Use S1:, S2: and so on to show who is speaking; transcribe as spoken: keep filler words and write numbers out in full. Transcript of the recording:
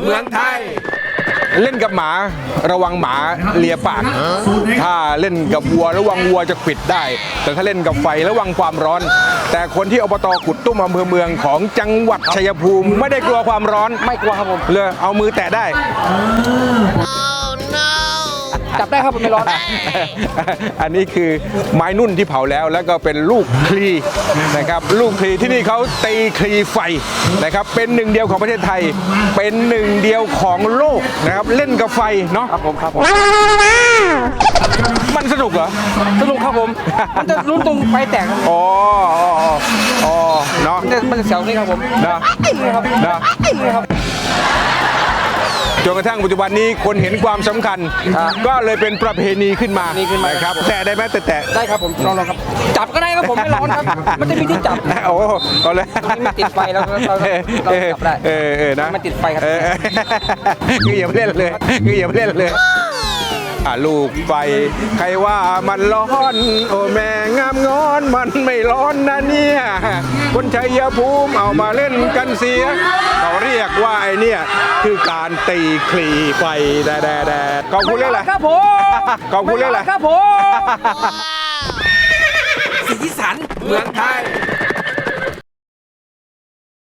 S1: เมืองไทยเล่นกับหมาระวังหมาเลียปากถ้าเล่นกับวัวระวังวัวจะขวิดได้แต่ถ้าเล่นกับไฟระวังความร้อน แต่คนที่อบต.กุดตุ้มอำเภอเมืองของจังหวัดชัยภูมิไม่ได้กลัวความร้อนไม่กลัวครับผมเลยเอามือแตะได้
S2: จับได้ครับผมไม่ร้อน
S1: อันนี้คือไม้นุ่นที่เผาแล้วแล้วก็เป็นลูกคลีนะครับลูกคลีที่นี่เขาตีคลีไฟนะครับเป็นหนึ่งเดียวของประเทศไทยเป็นหนึ่งเดียวของโลกนะครับเล่นกับไฟเนาะ
S2: ครับผมครับผม
S1: มันสนุกเหรอ
S2: สนุกครับผมมันจะรุ้นตรงไฟแตกครับ
S1: อ๋ออ๋ออ๋อเนาะ
S2: มันจะมันจะเสียวนี่ครับผม
S1: นะ
S2: ครับ
S1: นะ
S2: ครับ
S1: จนกระทั่งปัจจุบันนี้คนเห็นความสำคัญ ก็เลยเป็นประเพณีขึ้นมา
S2: นี่ขึ้นมา
S1: ครับแต่ได้ไหมแต่แต่
S2: ได้ครับผมลองลองครับจับก็ได้ครับผมไม่ร้อนครับมันจะมีที่จับ
S1: โอ้เอาเลย
S2: ตรงนี้ไม่ติดไฟแล้วเราเราเราจับได้
S1: เออเออนะ
S2: มันติดไฟครับ
S1: เออคืออย่าไปเล่นเลยคืออย่าไปเล่นเลยอ่ะลูกไฟใครว่ามันร้อนโอ้แม่งามงอนมันไม่ร้อนนะเนี่ยคนชัยภูมิเอามาเล่นกันเสียเขาเรียกว่าไอเนี่ยคือการตีคลีไฟแดดแดดขอบคุณเรื่องอะไร
S2: ครับผม
S1: ขอบคุณเรื่องอะไร
S2: ครับผม
S1: สีสันเมืองไทย